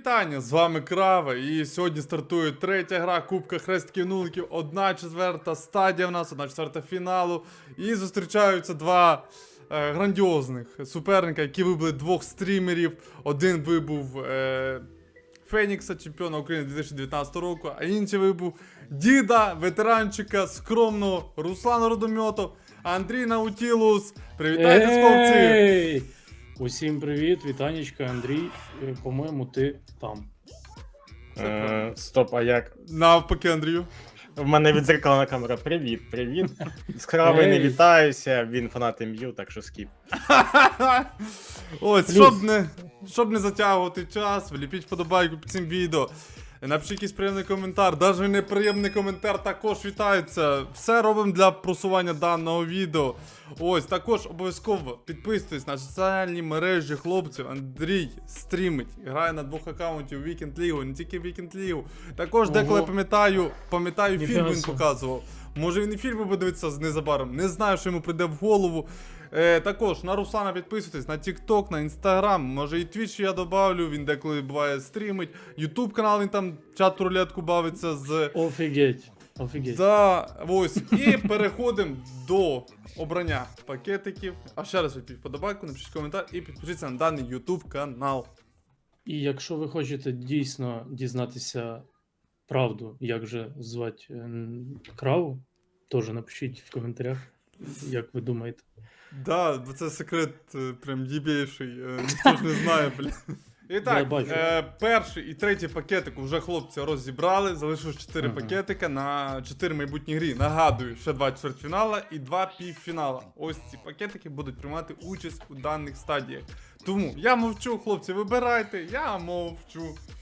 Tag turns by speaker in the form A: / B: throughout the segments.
A: вітання, з вами Крава, і сьогодні стартує третя гра Кубка Хрестків Нуликів, 1/4 стадія в нас, 1/4 фіналу, і зустрічаються два грандіозних суперника, які вибили двох стрімерів. Один вибув Фенікса, чемпіона України 2019 року, а інший вибув діда, ветеранчика, скромного Руслана Родомьотов, Андрій Наутілус. Привітайте, хлопці!
B: Усім привіт, вітанечка, Андрій. По-моєму, ти там.
C: Стоп, а як?
A: Навпаки, Андрію.
C: В мене відзеркалена камера. Привіт, привіт. З Кравою не вітаюся, він фанат МЮ, так що скіп.
A: Ось, щоб не затягувати час, вліпіть вподобайку під цим відео. Напишіть якийсь приємний коментар, навіть неприємний коментар також вітається. Все робимо для просування даного відео. Ось, також обов'язково підписуйтесь на соціальні мережі хлопців. Андрій стрімить, грає на двох аккаунтів Weekend League, не тільки Weekend League. Також деколи пам'ятаю фільм він показував. Може він і фільми буде дивитися незабаром, не знаю, що йому прийде в голову. Також на Руслана підписуйтесь, на TikTok, на Instagram, може і Twitch я добавлю, він деколи буває стрімить. YouTube канал, він там чат рулетку бавиться з...
B: Офігеть, офігеть.
A: Да, ось. І переходимо до обрання пакетиків. А ще раз відпіть вподобайку, напишіть коментар і підпишіться на даний YouTube канал.
B: І якщо ви хочете дійсно дізнатися правду, як же звати Краву, теж напишіть в коментарях, як ви думаєте.
A: Да, бо це секрет прям єбейший, ніхто ж не знає, блін. І так, перший і третій пакетик вже хлопці розібрали, залишилось 4 пакетика на 4 майбутні грі. Нагадую, ще 2 чвертьфінала і 2 півфінала. Ось ці пакетики будуть приймати участь у даних стадіях. Тому я мовчу, хлопці, вибирайте, я мовчу.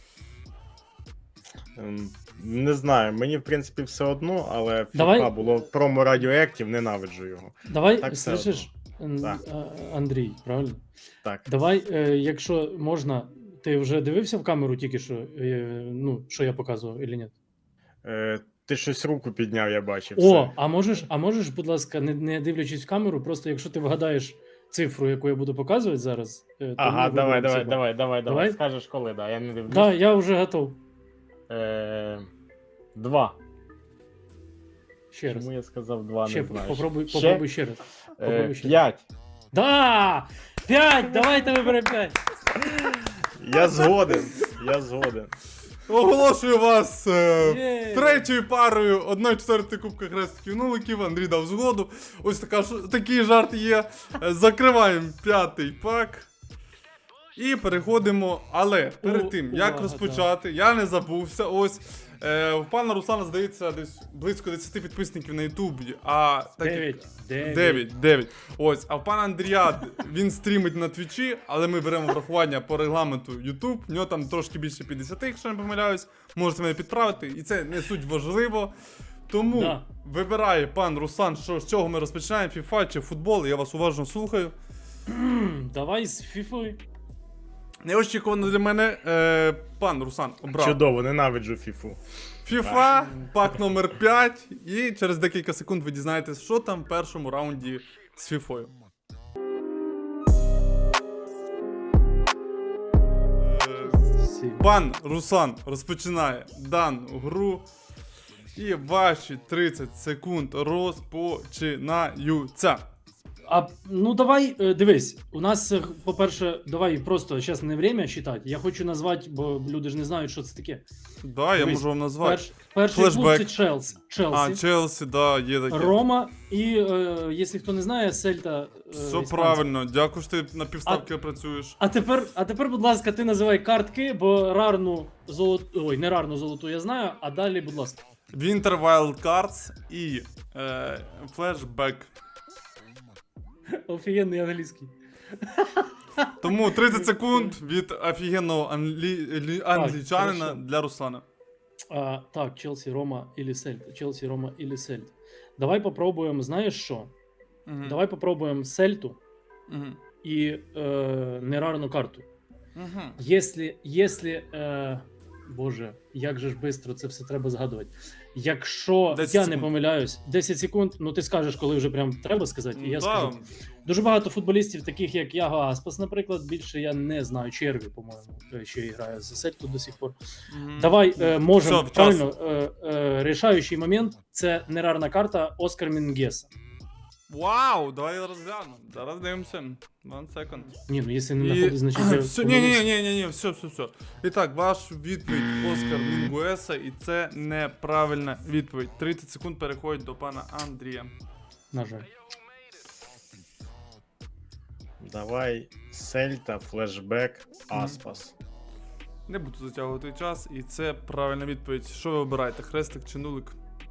C: Не знаю, мені в принципі все одно, але
B: Давай.
C: FIFA було промо Radioactive, ненавиджу його.
B: Давай,
C: Так,
B: слышиш, Андрій, правильно?
C: Так.
B: Давай, якщо можна, ти вже дивився в камеру тільки що, ну, що я показував, чи ні?
C: Ти щось руку підняв, я бачив.
B: О, а можеш, будь ласка, не дивлячись в камеру, просто якщо ти вгадаєш цифру, яку я буду показувати зараз, то
C: Ага,
B: ми виберемо
C: давай.
B: Давай?
C: Скажеш коли, да, я не дивлюсь.
B: Да, я вже готов.
C: 2.
B: Ще раз.
C: Чому я сказав 2,
B: Ще,
C: не знаю.
B: попробуй ще раз.
C: 5.
B: Да! 5! Давайте виберемо 5!
C: Я згоден.
A: Оголошую вас третьою парою 1/4 Кубка Хрестків Нуликів. Андрій дав згоду. Ось такий жарт є. Закриваємо 5-й пак. І переходимо, але перед тим, як розпочати, я не забувся, ось, у пана Руслана, здається, десь близько 10 підписників на Ютубі, а... 9. Ось, а в пана Андрія, він стрімить на Твічі, але ми беремо врахування по регламенту Ютуб, в нього там трошки більше 50, якщо не помиляюсь, можете мене підправити, і це не суть важливо. Тому вибирає пан Руслан, з чого ми розпочинаємо, FIFA чи футбол, я вас уважно слухаю.
B: Давай з фіфою.
A: Неочікувано для мене, пан Руслан обрав.
C: Чудово, ненавиджу FIFA.
A: FIFA, пак номер 5, і через декілька секунд ви дізнаєтесь, що там в першому раунді з фіфою. Пан Руслан розпочинає дану гру, і ваші 30 секунд розпочинаються.
B: Ну давай, дивись, у нас, по-перше, давай просто зараз не время считати. Я хочу назвати, бо люди ж не знають, що це таке.
A: Да, я можу вам назвати.
B: Перший клуб це Челсі.
A: Челсі, да, є таке.
B: Рома і, якщо хто не знає, Сельта.
A: Все правильно, дякую, що ти на півставки працюєш.
B: А тепер, будь ласка, ти називай картки, бо рарну золоту, ой, не рарну золоту я знаю, а далі, будь ласка.
A: Winter Wild Cards і Flashback.
B: Офігенний англійський.
A: Тому 30 секунд від офігенного англічанина для Руслана.
B: Так, Челсі, Рома или Сельта. Челсі, Рома или Сельта. Давай попробуємо, знаєш що? Давай попробуємо Сельту і нерарну карту. Если Боже, як же ж швидко це все треба згадувати. Якщо
A: 10
B: я не
A: секунд.
B: помиляюсь, 10 секунд, ну ти скажеш, коли вже прям треба сказати, і я
A: Да.
B: скажу. Дуже багато футболістів, таких як Яго Аспас, наприклад, більше я не знаю. Черві, по-моєму, ще грає за Сельту до сих пор.
A: Мгм.
B: Давай можемо
A: Все, час.
B: правильно. Рішаючий момент це нерарна карта Оскар Мінгеса.
A: Вау, давай розглянемо. Зараз дивимося. One second.
B: Ні, ну якщо не знаходить, значить я
A: Все,
B: помилився.
A: ні, все. І так, ваш відповідь Оскар Мінгуеса, і це неправильна відповідь. 30 секунд переходить до пана Андрія.
B: На жаль.
C: Давай Сельта, флешбек, Аспас.
A: Не буду затягувати час, і це правильна відповідь. Що ви обираєте, хрестик чи нулик?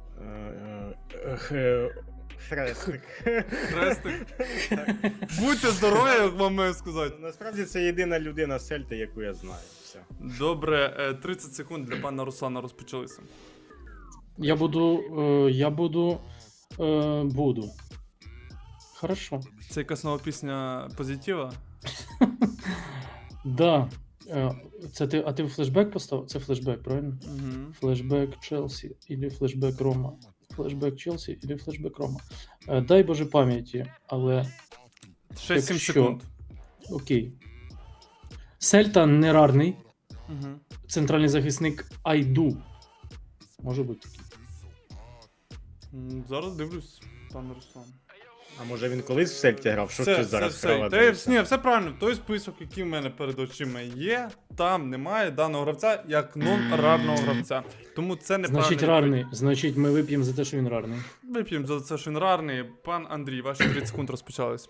C: Хрестик.
A: Хрестик. Будьте здорові, як вам маю сказати.
C: Насправді це єдина людина Сельти, яку я знаю. Все.
A: Добре, 30 секунд для пана Руслана розпочалися.
B: Буду. Хорошо.
A: Це якась нова пісня позитива?
B: Да. А ти флешбек поставив? Це флешбек, правильно?
A: Угу.
B: Флешбек Челсі или флешбек Рома. Флешбек Челсі или флешбек Рома. Дай Боже пам'яті, але
A: 6-7
B: Якщо-
A: секунд.
B: окей. Сельта нерарний,
A: Угу.
B: центральний захисник Айду. Може бути такий.
A: Зараз дивлюсь, пан Руслан.
C: А може він колись в Сельті грав? Що ж ти зараз
A: Ні, все правильно. Той список, який в мене перед очима є, там немає даного гравця як нон-рарного гравця. Тому це неправильно.
B: Значить, рарний. Значить, ми вип'ємо за те, що він рарний.
A: Вип'ємо за це, що він рарний. Пан Андрій, ваші 30 секунд розпочались.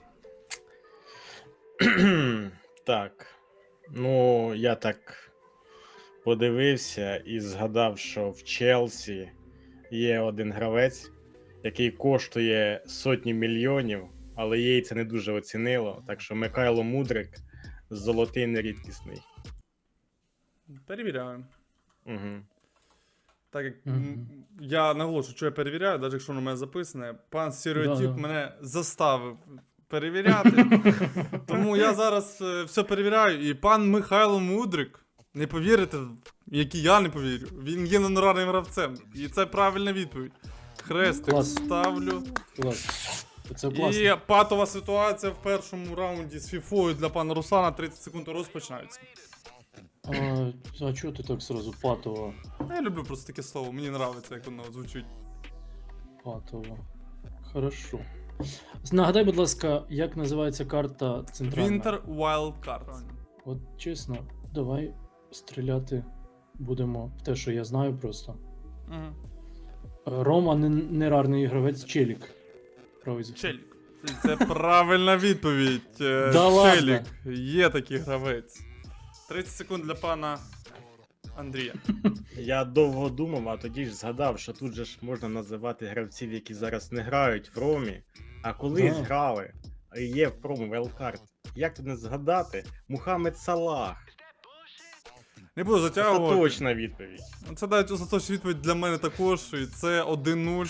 C: Так. Ну, я так подивився і згадав, що в Челсі є один гравець, який коштує сотні мільйонів, але їй це не дуже оцінило. Так що Михайло Мудрик золотий нерідкісний.
A: Перевіряємо.
C: Угу.
A: Так як
B: Мгм.
A: я наголошую, що я перевіряю, навіть якщо на мене записане, пан Стереотип
B: Да-да.
A: мене заставив перевіряти. Тому я зараз все перевіряю. І пан Михайло Мудрик, не повірите, як і я не повірю, він є нонорарним гравцем. І це правильна відповідь. Хрестик
B: Клас.
A: ставлю.
B: Клас. Це класно.
A: І патова ситуація в першому раунді з фіфою для пана Руслана. 30 секунд розпочинаються.
B: А чого ти так сразу патово?
A: Я люблю просто таке слово, мені подобається, як воно звучить.
B: Патово. Хорошо. Нагадай, будь ласка, як називається карта центральна?
A: Winter Wild Card.
B: От чесно, давай стріляти будемо в те, що я знаю просто.
A: Угу.
B: Рома нерарний гравець Челік. Правий захисник.
A: Челік. Це правильна відповідь.
B: Да ладно?
A: Челік. Є такий гравець. 30 секунд для пана Андрія.
C: Я довго думав, а тоді ж згадав, що тут же ж можна називати гравців, які зараз не грають в Ромі, а колись
B: Да.
C: грали, а є в промо Велкарт. Як тут не згадати? Мухаммед Салах.
A: Не буду
C: Це
A: затягувати.
C: точна відповідь.
A: Це навіть остаточна відповідь для мене також. І це 1-0.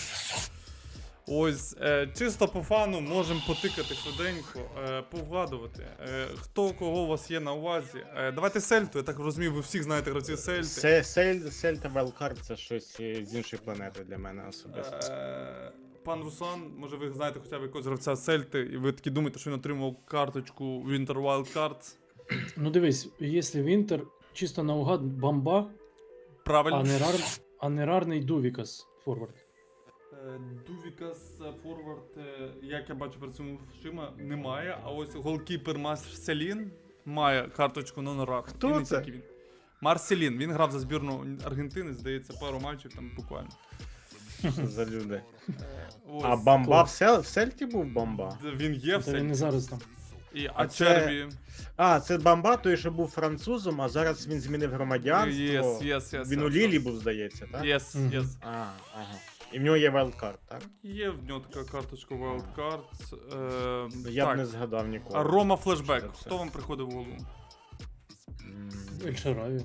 A: Ось, чисто по фану можемо потикати швиденько, повгадувати. Хто кого у вас є на увазі. Давайте Сельту, я так розумію, ви всіх знаєте гравців Сельти.
C: Сельта Велкарт це щось з іншої планети для мене особисто.
A: Пан Руслан, може ви знаєте хоча б якогось гравця Сельти, і ви такі думаєте, що він отримав карточку Winter Wild Cards.
B: Ну дивись, якщо Вінтер чисто наугад бомба,
A: Правильно.
B: а нерарний Дувікас форвард.
A: Дувікас форвард, як я бачу перед цим шима, немає. А ось голкіпер Марселін має карточку нонорар.
C: Хто
A: І не
C: це?
A: тільки він. Марселін, він грав за збірну Аргентини, здається, пару матчів там буквально.
C: Що за люди?
A: Ось.
C: А бомба
B: клас.
C: в Сельті був бомба?
A: Він є
B: Та
A: все.
B: він не зараз там.
A: А
C: це-
A: Черві.
C: А, це бомба, той, що був французом, а зараз він змінив громадянство.
A: Yes.
C: Він у Лілі був, здається, так?
A: Yes.
B: Мгм.
C: Ага. І в нього є Wildcard, так?
A: Є в нього така карточка Wild Cards.
C: Я б
A: так.
C: не згадав ніколи.
A: А Рома Флешбек.
C: Що це?
A: Хто вам приходив в голову?
C: М,
B: Ель-Шараві.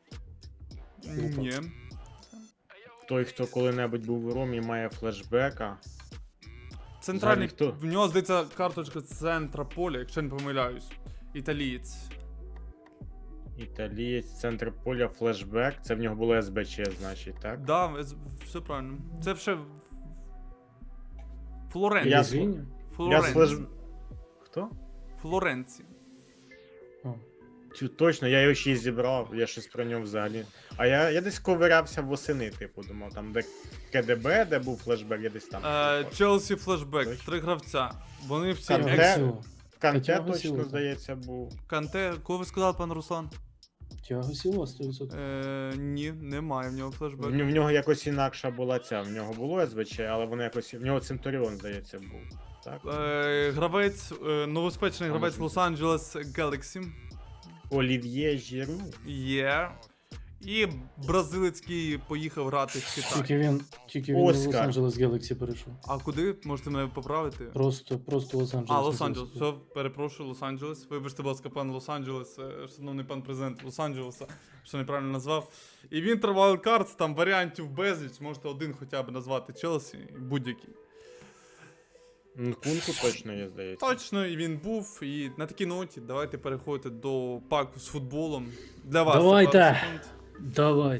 B: Опа.
A: Ні.
C: Той, хто коли-небудь був у Ромі, має флешбека.
A: Центральний,
C: Взагалі хто?
A: в нього здається карточка центра поля, якщо не помиляюсь. Італієць.
C: Італієць, центр поля, флешбек. Це в нього було СБЧ, значить, так?
A: Да, все правильно. Це ще
C: Я
A: Флоренція.
B: Звіння?
C: Я з флеш... Хто?
A: Флоренція.
B: О.
C: Точно, я його ще й зібрав, я щось про нього взагалі. А я десь ковирявся восени, типу, думав, там де КДБ, де був флешбек, я десь там.
A: Челсі флешбек,
C: Точно.
A: 3 гравця. Вони всі
C: Канте?
B: Тіаго Сілва.
C: Канте
B: Тіаго
C: точно,
B: Сілва.
C: здається, був.
A: Канте, кого ви сказали, пан Руслан?
B: Тіаго Сілва 100%.
A: Ні, немає в нього флешбек.
C: В нього якось інакша була ця, в нього було СБЧ, але воно якось, в нього Центуріон, здається, був. Так?
A: Гравець, новоспечений гравець Лос-Анджелес Galaxy.
C: Олів'є Жіру.
A: Є. І бразилець, який поїхав грати в Китай.
B: Тільки він в
C: Оскар.
B: Лос-Анджелес Galaxy перейшов.
A: А куди? Можете мене поправити?
B: Просто Лос-Анджелес.
A: А, Лос-Анджелес. Все, перепрошую, Лос-Анджелес. Вибачте, будь ласка, пан Лос-Анджелес, шановний пан президент Лос-Анджелеса, що неправильно назвав. І він Wildcards, там варіантів безліч, можете один хоча б назвати Челсі, будь-який.
C: Нкунку точно є, здається.
A: Точно, і він був. І на такій ноті давайте переходити до паку з футболом. Для вас. це
B: Давайте.
A: пару секунд.
B: Давай.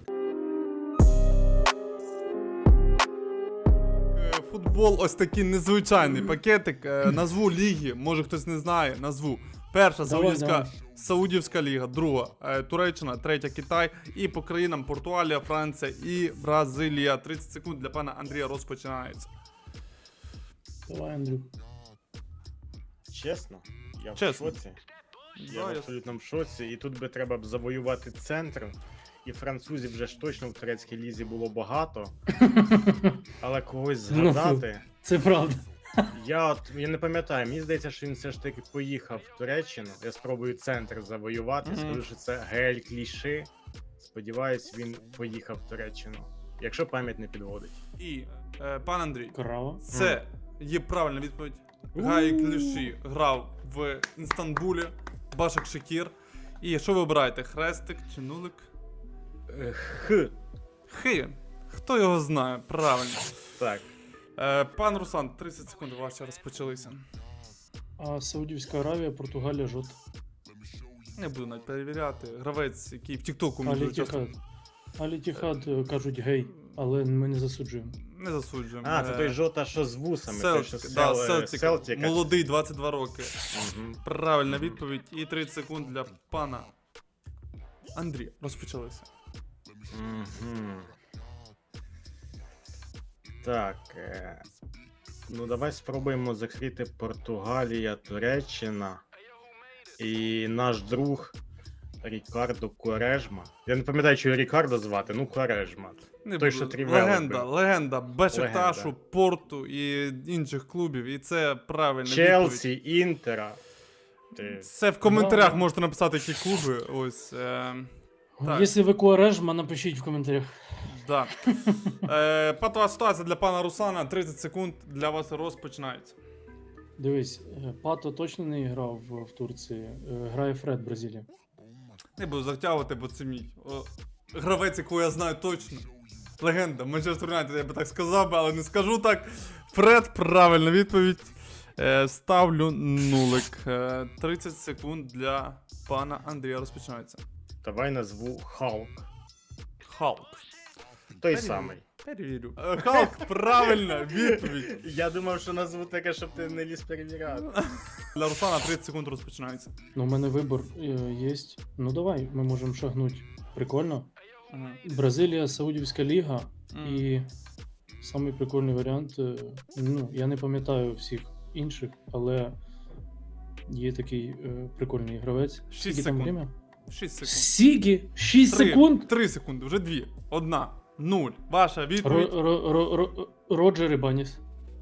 A: Футбол ось такий незвичайний пакетик. Назву ліги, може хтось не знає, назву. Перша
B: Давай.
A: Саудівська ліга, друга Туреччина, третя Китай. І по країнам Португалія, Франція і Бразилія. 30 секунд для пана Андрія розпочинається.
B: Давай, Андрюк.
C: Чесно? Я
A: Чесно.
C: в шоці. Я
A: Да,
C: в абсолютному шоці. І тут би треба б завоювати центр. І французів вже ж точно в турецькій лізі було багато. Але когось
B: Ну,
C: згадати.
B: Це правда.
C: Я не пам'ятаю, мені здається, що він все ж таки поїхав в Туреччину. Я спробую центр завоювати.
A: Мгм.
C: Скажу, що це Гель Кліши. Сподіваюсь, він поїхав в Туреччину. Якщо пам'ять не підводить.
A: І пан Андрій,
B: Крава.
A: це є правильна відповідь. Гай Кліші грав в Інстанбулі, Башак Шекір. І що ви обираєте? Хрестик чи нулик?
C: Х.
A: Хи. Хто його знає? Правильно.
C: Так.
A: Пан Руслан, 30 секунд ваші розпочалися.
B: А Саудівська Аравія, Португалія, жовта.
A: Не буду навіть перевіряти. Гравець, який в Тіктоку мені дуже часто
B: Аль-Іттіхад кажуть гей, але ми не засуджуємо.
A: не засуджуємо.
C: А, це той жота, що з вусами. той, що
A: Селтик. Молодий, 22 роки.
C: Мгм.
A: Правильна відповідь. І 30 секунд для пана Андрія. Розпочалися.
C: Мгм. Так. Ну, давай спробуємо закрити Португалія, Туреччина. І наш друг Рікардо Куарежма. Я не пам'ятаю, що його Рікардо звати, ну Куарежма.
A: Не
C: Той,
A: буду.
C: що Трівелли
A: Легенда,
C: бив.
A: легенда Бешикташу,
C: Легенда.
A: Порту і інших клубів. І це правильна відповідь.
C: Челсі, Інтера. Ти...
A: Це в коментарях
B: Да.
A: можете написати, які клуби. Ось. Так.
B: Якщо ви Куарежма, напишіть в коментарях.
A: Да. Патова ситуація для пана Руслана. 30 секунд для вас розпочинається.
B: Дивись, Пато точно не грав в Турції. Грає Фред, Бразилія.
A: Не буду затягувати, бо це мій гравець, якого я знаю точно. Легенда. Манчестер Юнайтед, я би так сказав, але не скажу так. Фред, правильна відповідь. Ставлю нулик. 30 секунд для пана Андрія розпочинається.
C: Давай назву Халк.
A: Халк.
C: Той
A: Перевірю.
C: самий.
A: Перевірю. Халк, правильна відповідь.
C: Я думав, що назву таке, щоб ти не ліз перевіряти.
A: Для Руслана 30 секунд розпочинається.
B: Ну, у мене вибір є. Ну давай, ми можемо шагнути. Прикольно. Бразилія, Саудівська ліга. І самий прикольний варіант. Ну, я не пам'ятаю всіх інших, але є такий прикольний гравець.
A: 6
B: Скільки там
A: секунд.
B: время?
A: 6 секунд.
B: Сігі! 6 секунд!
A: 3 секунди, вже 2. 1. 0. Ваша відповідь.
B: Роджер Ібаніс.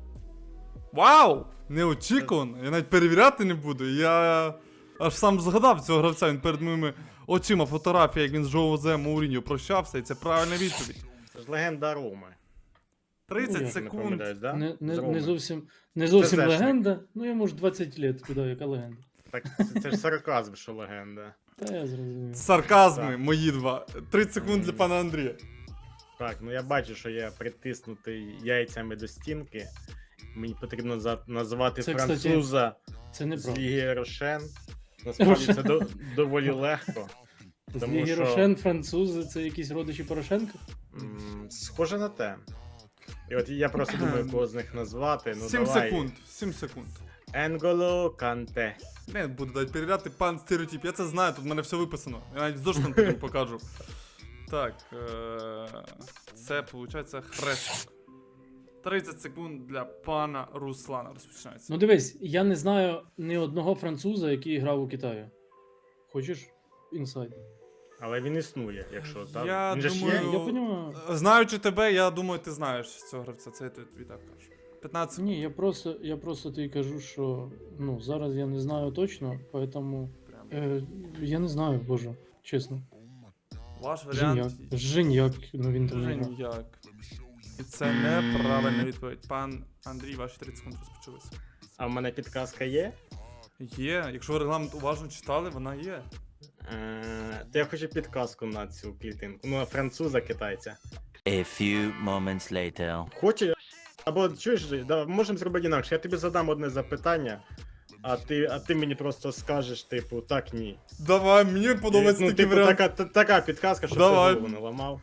A: Вау! Неочікувано. Я навіть перевіряти не буду. Я аж сам згадав цього гравця. Він перед моїми очима фотографія, як він з Жозе Мауріньо прощався, і це правильна відповідь.
C: Це ж легенда Роми.
A: 30
B: Ну, я
C: Не
A: секунд.
C: помиляюсь, да?
B: Не
C: З Роми.
B: зовсім
C: Зешник.
B: легенда. Ну, йому ж 20 лет. Куди, яка легенда?
C: Так, це ж сарказм, що легенда.
B: Та я зрозумів.
A: Сарказми,
C: Так.
A: мої два. 30 секунд для пана Андрія.
C: Так, ну я бачу, що я притиснутий яйцями до стінки. Мені потрібно назвати
B: Це, кстати,
C: француза
B: Це не
C: з
B: правда.
C: Ліги Рошен. Насправді це доволі легко. Тому
B: Злій
C: що-
B: Рошен, французи, це якісь родичі Порошенка?
C: Схоже на те. І от я просто думаю, кого з них назвати. Ну,
A: 7
C: давай.
A: секунд. 7 секунд.
C: Енголо Канте.
A: Не буду дати перевіряти, пан стереотип. Я це знаю, тут в мене все виписано. Я навіть зошитом потім покажу. Так, це виходить хрестик. 30 секунд для пана Руслана розпочинається.
B: Ну дивись, я не знаю ні одного француза, який грав у Китаї. Хочеш інсайд?
C: Але він існує, якщо так.
A: Я
C: Він же ж
A: думаю-
C: є.
B: Я понимаю.
A: Знаючи тебе, я думаю, ти знаєш цього гравця. Це я тобі так кажу. 15 секунд.
B: Ні, я просто тобі кажу, що ну, зараз я не знаю точно, поэтому я не знаю, боже, чесно.
A: Ваш варіант.
B: Женяк, ну він там не грав.
A: Женяк. І це неправильна відповідь. Пан Андрій, ваші 30 секунд розпочалися.
C: А в мене підказка є.
A: Є, якщо ви регламент уважно читали, вона є.
C: То я хочу підказку на цю клітинку. Ну, на француза, китайця.
D: A few moments later.
C: Хочу. Або чуєш, да, можемо зробити інакше. Я тобі задам одне запитання, а ти мені просто скажеш, типу, так, ні.
A: Давай, мені подобається
C: Ну,
A: такий
C: типу,
A: варіант.
C: така підказка, щоб
A: Давай.
C: ти голову не ламав.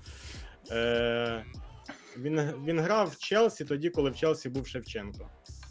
C: Він грав в Челсі тоді, коли в Челсі був Шевченко.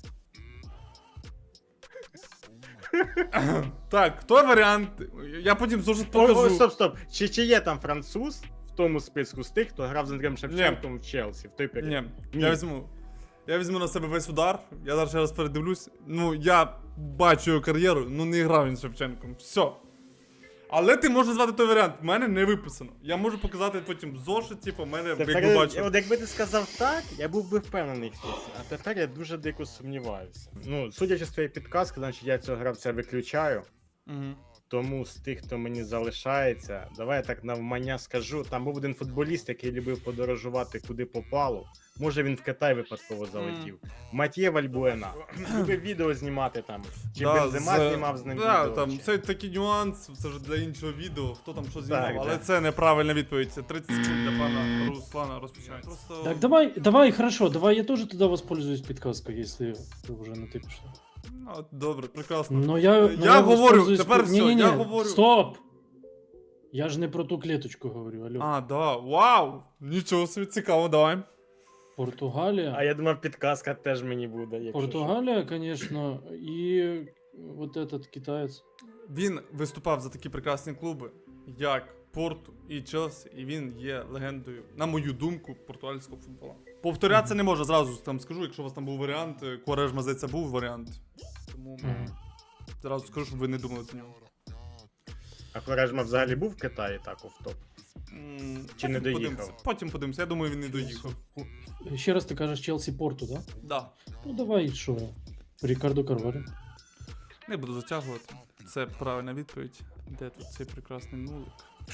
A: Так, той варіант. Я потім зошит
C: О,
A: покажу.
C: стоп. Чи є там француз в тому списку з тих, хто грав з Андрієм Шевченком в Челсі в той період?
A: Ні, я візьму на себе весь удар. Я зараз ще раз передивлюсь. Ну, я бачу його кар'єру, ну не грав він з Шевченком. Все. Але ти можеш назвати той варіант. В мене не виписано. Я можу показати потім зошит, типу, в мене якби бачу.
C: От якби ти сказав так, я був би впевнений в цьому. А тепер я дуже дико сумніваюся. Ну, судячи з твоєї підказки, значить я цього гравця виключаю.
A: Мгм.
C: Тому з тих, хто мені залишається, давай я так навмання скажу. Там був один футболіст, який любив подорожувати куди попало. Може він в Китай випадково залетів. Мат'є Вальбуена. Любив відео знімати там. Чи Бензема знімав з ним
A: да,
C: відео.
A: там
C: чи-
A: це такий нюанс, це ж для іншого відео, хто там що знімав,
C: Так,
A: але
C: так.
A: це неправильна відповідь. Це 30 секунд для пана Руслана розпочинається. Просто...
B: Так, давай, хорошо, давай я тоже тогда воспользуюсь подсказкой, если ты уже натыпишь.
A: Ну, добре, прекрасно.
B: Но я
A: говорю,
B: воспользуюсь
A: тепер все,
B: Не-не-не,
A: я говорю.
B: Стоп! Я ж не про ту клеточку говорю, алло.
A: А, да, вау! Нічого собі, цікаво, давай.
B: Португалия.
C: А я думав, підказка теж мені буде. Якщо
B: Португалия, конечно, и вот этот китаец.
A: Він виступав за такі прекрасні клуби, як Порту і Челсі, і він є легендою, на мою думку, португальського футболу. Повторятися не може, зразу там скажу, якщо у вас там був варіант, Куарежма, здається, був варіант. Тому зразу скажу, щоб ви не думали за нього.
C: А Куарежма взагалі був в Китаї так офтоп? Чи не доїхав?
A: Потім подивимося, я думаю, він не доїхав.
B: Ще раз ти кажеш Челсі Порту, да?
A: Да.
B: Ну давай, що? Рікардо Карвалю.
A: Не буду затягувати. Це правильна відповідь. Де тут цей прекрасний нулик?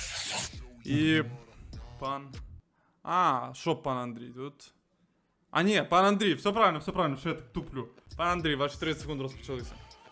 A: І пан. А, що пан Андрій тут? А ні, пан Андрій, все правильно, що я так туплю. Пан Андрій, ваші 30 секунд розпочалися.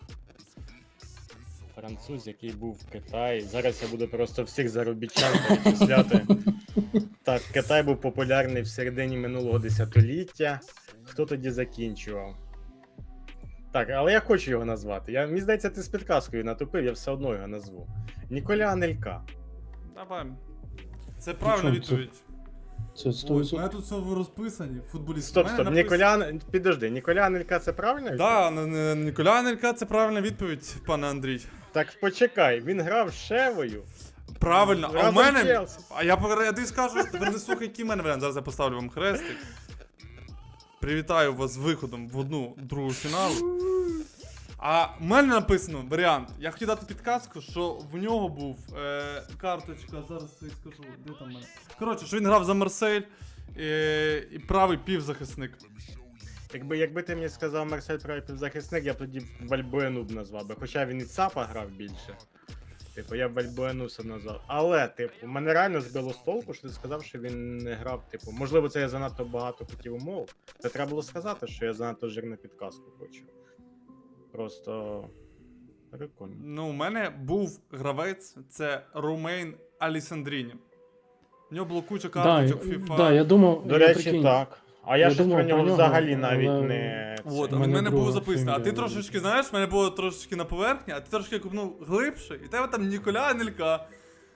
C: Француз, який був в Китаї. Зараз я буду просто всіх заробітчан перечисляти. Так, Китай був популярний в середині минулого десятиліття. Хто тоді закінчував? Так, але я хочу його назвати. Мені здається, ти з підказкою натупив, я все одно його назву. Ніколя Анелька.
A: Давай. Це правильна
B: Ну, що,
A: відповідь.
B: Це 100%.
A: тут все розписані, футболісти.
C: Стоп, підожди, Ніколя Анелька це правильно?
A: Да, Ніколя Анелька, це правильна відповідь, пане Андрій.
C: Так почекай, він грав з Шевою.
A: Правильно, а у
C: Разом з
A: мене.
C: Челсі.
A: А я тобі скажу, тепер не слухай, який в мене варіант. Зараз я поставлю вам хрестик. Привітаю вас з виходом в одну другу фіналу. А в мене написано варіант. Я хотів дати підказку, що в нього був карточка, зараз я скажу, де там в мене. Коротше, що він грав за Марсель і правий півзахисник.
C: Якби ти мені сказав Марсель правий півзахисник, я б тоді Вальбуену б назвав би. Хоча він і ЦАПа грав більше. Типу, я б Вальбуену все назвав. Але, типу, мене реально збило з толку, що ти сказав, що він не грав, типу, можливо, це я занадто багато хотів умов. Та треба було сказати, що я занадто жирну підказку хочу. Просто прикольно.
A: Ну, у мене був гравець, це Ромейн Алісандріні. В нього було куча карточок FIFA.
B: Да, я думав,
C: До
B: я
C: речі,
B: прикинь,
C: так. А я щось
B: думав
C: про нього
B: про нього,
C: взагалі навіть
B: але-
C: не...
A: От,
B: У
A: а в
B: мене
A: мене було
B: друга
A: записано. А ти
B: фамілія.
A: трошечки, знаєш, в мене було трошечки на поверхні, а ти трошки купнув глибше, і тебе там Ніколя Анелька.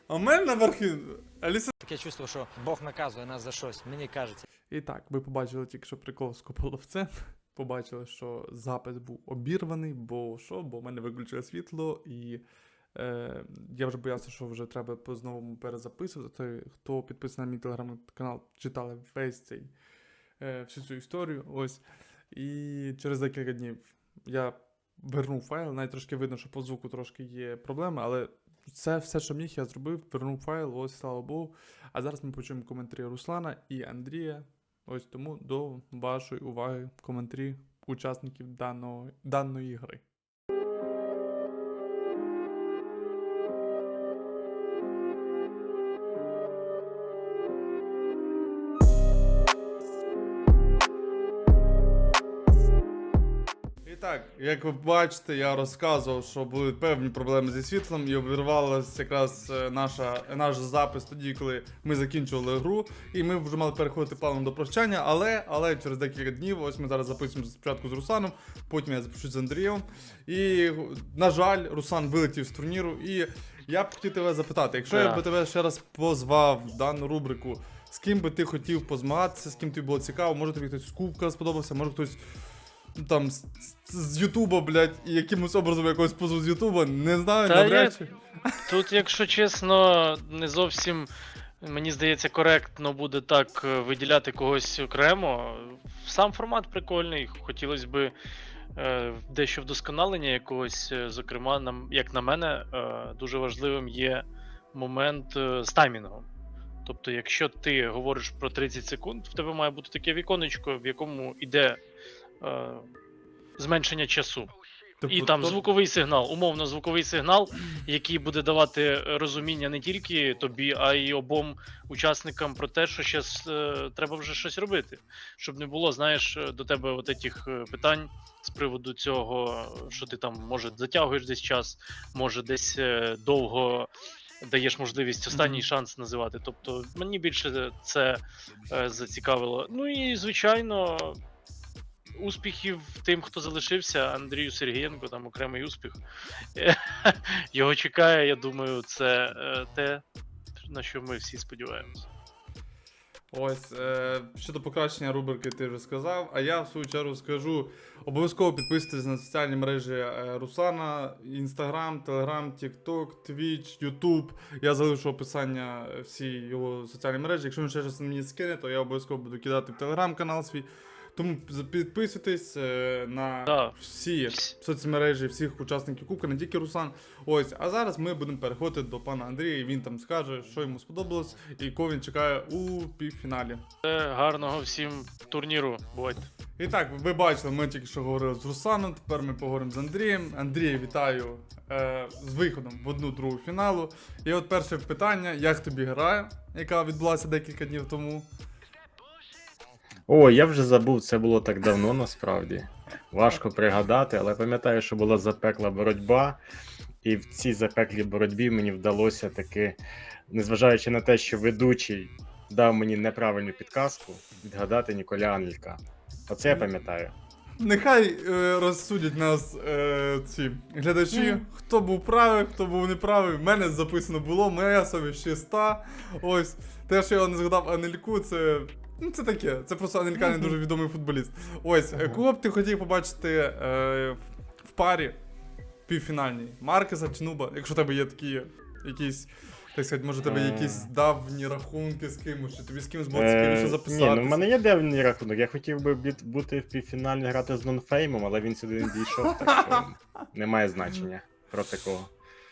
A: А в мене наверхи Аліса.
E: Таке чувство, що Бог наказує нас за щось, мені кажеться.
A: І так, ви побачили тільки що прикол з Кополовцем. Побачили, що запис був обірваний, бо що? Бо в мене виключили світло, і я вже боявся, що вже треба по-знову перезаписувати. Хто підписаний на мій телеграм-канал, читали весь цей всю цю історію. Ось. І через декілька днів я вернув файл, навіть трошки видно, що по звуку трошки є проблеми, але це все, що міг, я зробив, вернув файл, ось, слава Богу. А зараз ми почуємо коментарі Руслана і Андрія. Ось тому до вашої уваги коментарі учасників даної гри. І так, як ви бачите, я розказував, що були певні проблеми зі світлом і обірвалася якраз наш запис тоді, коли ми закінчували гру, і ми вже мали переходити плавно до прощання, але через декілька днів, ось ми зараз записуємо спочатку з Русланом, потім я запишу з Андрієм. І, на жаль, Руслан вилетів з турніру, і я б хотів тебе запитати, якщо я би тебе ще раз позвав в дану рубрику, з ким би ти хотів позмагатися, з ким тобі було цікаво, може тобі хтось з Кубка сподобався, може хтось там з Ютуба, блядь, і якимось образом якогось позову з Ютуба, не знаю,
F: Та
A: навряд чи.
F: Тут, якщо чесно, не зовсім, мені здається, коректно буде так виділяти когось окремо. Сам формат прикольний, хотілося б дещо вдосконалення якогось, зокрема, як на мене, дуже важливим є момент з таймінгом. Тобто, якщо ти говориш про 30 секунд, в тебе має бути таке віконечко, в якому йде зменшення часу. І там звуковий сигнал, умовно звуковий сигнал, який буде давати розуміння не тільки тобі, а й обом учасникам про те, що зараз треба вже щось робити. Щоб не було, знаєш, до тебе от этих питань з приводу цього, що ти там, може, затягуєш десь час, може, десь довго даєш можливість останній шанс називати. Тобто мені більше це зацікавило. Ну і, звичайно, успіхів тим, хто залишився, Андрію Сергієнко, там окремий успіх. Його чекає, я думаю, це те, на що ми всі сподіваємося.
A: Ось, щодо покращення рубрики ти вже сказав, а я в свою чергу скажу, обов'язково підписуйтесь на соціальні мережі Руслана, Instagram, Telegram, TikTok, Twitch, YouTube. Я залишу описання всі його соціальні мережі. Якщо він ще щось мені скине, то я обов'язково буду кидати в Telegram канал свій. Тому підписуйтесь на всі соцмережі, всіх учасників Кубка, не тільки Руслан. Ось, а зараз ми будемо переходити до пана Андрія, і він там скаже, що йому сподобалось, і кого він чекає у півфіналі.
F: Гарного всім турніру, бувайте.
A: І так, ви бачили, ми тільки що говорили з Русланом, тепер ми поговоримо з Андрієм. Андрій, вітаю з виходом в 1/2 фіналу. І от перше питання, як тобі гра, яка відбулася декілька днів тому?
C: О, я вже забув, це було так давно насправді. Важко пригадати, але пам'ятаю, що була запекла боротьба, і в цій запеклій боротьбі мені вдалося таки, незважаючи на те, що ведучий дав мені неправильну підказку, відгадати Ніколя Анелька. Оце я пам'ятаю.
A: Нехай розсудять нас ці глядачі, хто був правий, хто був неправий. В мене записано було, моя совість чиста. Ось, те, що я не згадав Анельку, це... Ну, це таке, це просто Анелька не дуже відомий футболіст. Ось, кого б ти хотів побачити в парі півфінальній? Маркеса чи Нуба? Якщо в тебе є такі якісь, так сказати, може в тебе є якісь давні рахунки з кимось, чи тобі з кимось було цікавіше записатися?
C: Ні, ну в мене є давній рахунок. Я хотів би бути в півфіналі грати з Нонфеймом, але він сюди не дійшов, так що немає значення проти кого.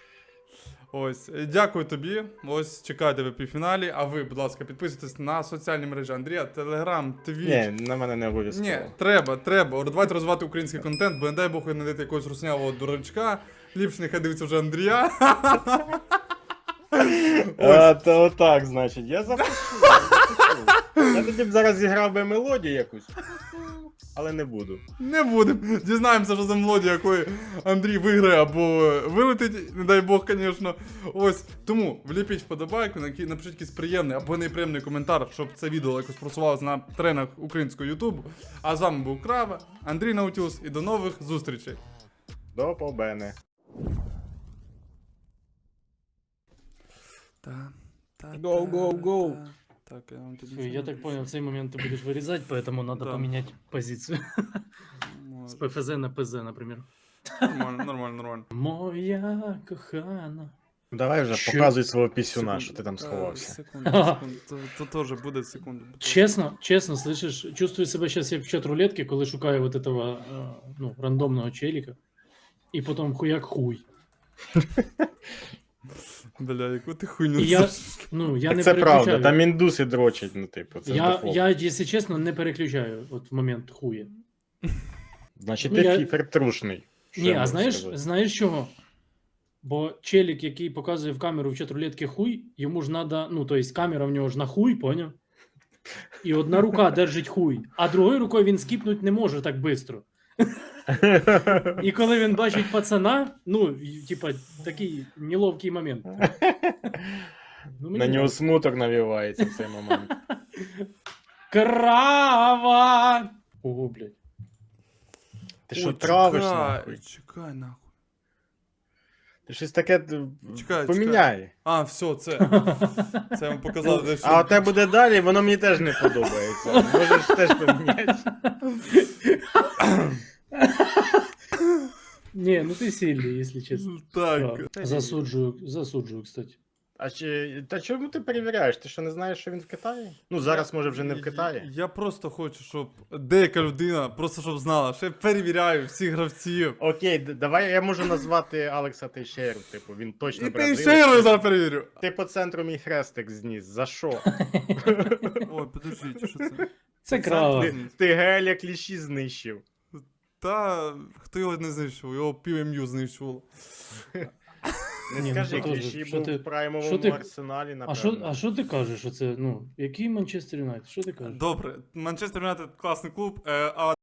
A: Ось, дякую тобі. Ось, чекайте ви в півфіналі. А ви, будь ласка, підписуйтесь на соціальні мережі Андрія, Телеграм, Твіч.
C: Ні, на мене не обов'язково.
A: Ні, треба. Давайте розвивати український контент, бо не дай Бог ви знайдете якогось руснявого дурачка. Ліпше нехай дивиться вже Андрія.
C: То отак, значить, я запишу. Я тоді б зараз зіграв би мелодію якусь, але не буду.
A: Не будемо. Дізнаємося, що за мелодія, якої Андрій виграє або вилетить, не дай Бог, звісно. Ось. Тому вліпіть вподобайку, напишіть якийсь приємний або неприємний коментар, щоб це відео якось просувалося на тренах українського Ютубу. А з вами був Крава, Андрій Наутілус, і до нових зустрічей.
C: До побачення. Go, go, go.
A: Так, я вам тут
B: Всё,
A: нічого
B: я
A: не
B: так понял, в
A: пишу.
B: цей момент ты будешь вырезать, поэтому надо
A: Да.
B: поменять позицию. С
A: Може.
B: ПФЗ на ПЗ, например.
A: Нормально, нормально, нормально.
B: Моя кохана.
C: Давай вже
B: Що?
C: показуй свого пісюна,
A: Секунду.
C: що ти там сховався.
A: Секунду, секунду. То теж буде секунду.
B: Честно, честно, слышишь, чувствую себя сейчас як в чат-рулетке, коли шукаю вот этого, ну, рандомного челика. И потом хуяк хуй.
A: Бля, яку ти хуйню
B: І я,
A: несеш?
B: ну, я
C: Так
B: не
C: це правда,
B: переключаю.
C: там індуси дрочать, ну типу, це
B: я,
C: дефолт.
B: я, если честно, не переключаю от в момент хуя.
C: Значить,
B: Ну,
C: ти
B: я-
C: фіфер трушний. Що
B: Ні,
C: я
B: а
C: можу
B: знаєш,
C: сказати?
B: знаєш чого? Бо челік, який показує в камеру в чат-рулетки хуй, йому ж надо, ну, то есть камера в нього ж на хуй, поняв? І одна рука держить хуй, а другою рукою він скіпнуть не може так швидко. І коли він бачить пацана, ну, типа, такий неловкий момент. Ну, мені
C: На нього
B: нравится.
C: смуток навівається в цей момент.
B: Крава! Ого, блядь.
C: Ти що
A: Ой,
C: травиш
A: чекай,
C: нахуй?
A: Чекай, нахуй.
C: Ти щось таке
A: Чекай,
C: поміняй.
A: А, все, це я вам показав, де
C: А оте буде далі, воно мені теж не подобається. Можеш теж поміняти.
B: Не, ну ты сильный, если честно.
A: Так.
B: Да. Засуджую, кстати.
C: А та чому ти перевіряєш? Ти що не знаєш, що він в Китаї? Ну зараз може вже не в Китаї.
A: Я просто хочу, щоб деяка людина, просто щоб знала, що я перевіряю всіх гравців.
C: Окей, давай я можу назвати Алекса Тейшеру, типу, він точно
A: І ти
C: бразилець.
A: ще я зараз перевірю.
C: Ти по центру мій хрестик зніс. За що?
A: Ой, подождіть, що це?
B: Це крава.
C: Ти геля кліші знищив.
A: Та хто його не знищив, його пів знищувало.
C: Не
B: Ні, ну
C: скажи,
B: це теж,
C: кліші
B: що
C: був
B: ти-
C: в праймовому
B: що ти-
C: арсеналі,
B: А що,
C: напевно.
B: а що ти кажеш? Оце, ну, який Манчестер Юнайтед? Що ти кажеш?
A: Добре, Манчестер Юнайтед класний клуб, а